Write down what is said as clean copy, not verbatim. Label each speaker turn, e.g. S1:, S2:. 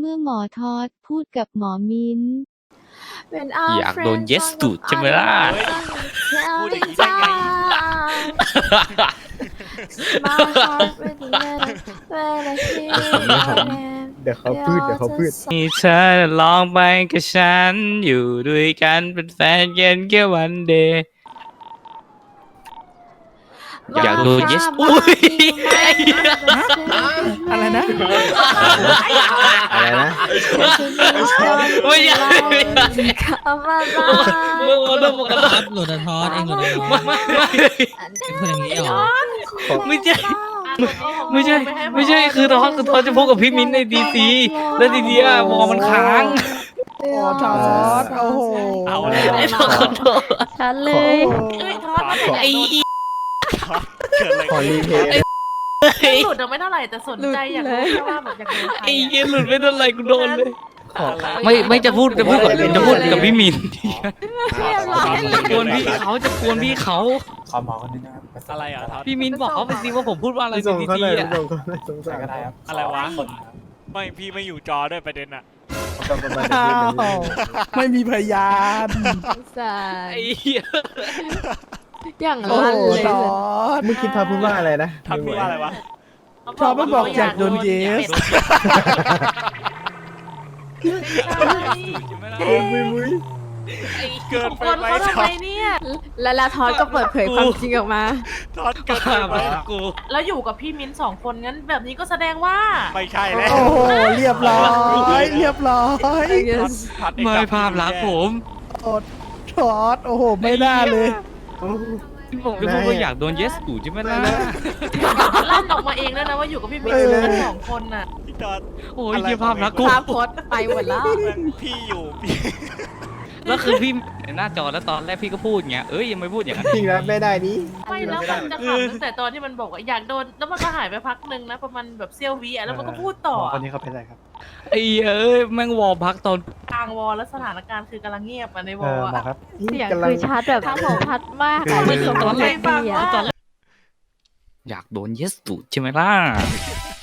S1: มื่อหมอทอดพูดกับหมอมิ้น
S2: อยากโดน yes ตูดใช่ไหมล่ะ
S3: พูดอย่างนี้ได้ไง
S4: เดี๋ยวเขาพืช
S2: นี่เธอลองไปกับฉันอยู่ด้วยกันเป็นแฟนกันแค่วันเดย์อยากโดน yes อุ้ย
S5: อะไรนะ
S4: อะไรนะ
S2: ไม่ใช่ มึงเอาต้องบอกกัน
S6: หลุดทอดเองหลุดทอดเป็นคนอย่างนี้เหรอ
S2: ไม่ใช่ไม่ใช่คือทอจะพูดกับพี่มิ้นในดีซีแล้วดีดีอะวอมันค้าง
S5: โอ้ทอดโอ้โห
S3: เอาแล้ว
S2: ไอ้ทอขอโทษ
S1: ฉันเลย
S3: เอ้ยทอดมาแต่
S2: ไอ้
S3: เกิดอะไร
S4: ขอรีเพย์
S3: หลุดไม่เท่าไหร่แต่สนใจอยากรู้แค่ว่าแบบอยากรู้ใคร
S2: ไอ้เหี้ยหลุดไม่เท่าไหร่กูโดนเลย
S4: ขอ
S2: ไม่จะพูดกับพี่มิ้น
S3: เรียบร้อย
S2: จะกวนพี่เขา
S7: ขอหมอคนนึงนะครับ
S3: อะไรอ่ะทอด
S2: พี่มิ้นบอกเขาไปสิว่าผมพูดว่าอะไร
S4: ส่ง
S2: ดี
S4: เขา
S2: ซี
S4: เลย
S2: อะ
S4: ส่งเขาเลยสงสาร
S7: ก็ได้ครับ
S3: อะไรวะ
S7: คนครับ
S3: ไม่พี่ไม่อยู่จอด้วยประเด็นอ่ะ
S4: ต้องประมาณ
S5: อ้า
S4: นี้
S5: วไม่มีพยาน
S2: ไอ้เหี้ย
S1: อย่าง
S5: โอ้
S1: ลั่น
S5: โห
S1: เลย
S5: ทอด
S4: เมื่อกี้ทอพูดว่าอะไรนะ
S3: ทอดพูดว่าอะไรวะ
S5: ทอดมันบอกอยากโดนเยส
S4: มุ้ยมุ้ย
S3: เกินไป
S8: คน
S3: ไหม
S8: เขา
S3: ท
S8: ทำ
S3: อ
S8: ไม
S3: ด
S8: เนี่ย แล้วทอดก็เปิดเผยความจริงออกมา
S3: ทอดเกินไปไหม
S2: กู
S8: แล้วอยู่กับพี่มิ้น2 คนงั้นแบบนี้ก็แสดงว่า
S3: ไม่ใช่แล้ว
S5: โอ้โหเรียบร้อยเรียบร้อย
S3: ทอด
S2: ไม่ภาพลักษณ์ผม
S5: ทอดโอ้โหไม่น่าเลย
S2: ผมจะพูดว่าอยากโดน yes ตูดใช่ไหมล่ะ
S8: ลั่นออกมาเองแล้วนะว่าอยู่กับพี่มิ้นกัน2 คนน่ะ
S3: พี่ทอด
S2: โอ้ยเหี้ยภาพลักษณ์กู
S8: ภาพโพสต์ไปหมดแล้ว
S3: พี่อยู่พี่
S2: แล้วคือพี่หน้าจอแล้วตอนแรกพี่ก็พูดอย่างเงี้ยเอ้ยยังไม่พูดอย่างนั้น
S4: จริงแล้วไม่ได้นี้
S8: ไม่แล้วมันจะขำตั้งแต่ตอนที่มันบอกว่าอยากโดนแล้วมันก็หายไปพักนึงนะประมาณแบบเซี่ยววิแล้วมันก็พูดต่อ
S7: หมอคนนี้เขาเป็นอะไรครับ
S2: ไอ้เอ้ยแม่งวอลพักตอน
S8: กลางวอลแล้วสถานการณ์คือกำลังเงียบอ่ะในว
S7: หม
S8: อ
S7: อ
S8: ล
S7: ครับ
S1: เสียง
S4: กำลัง
S1: คือชัดแบบชัดมากอะ
S2: ไม่คือตอนแรก
S1: ดีอะ
S2: อยากโดน yes ตูดใช่ไหมล่ะ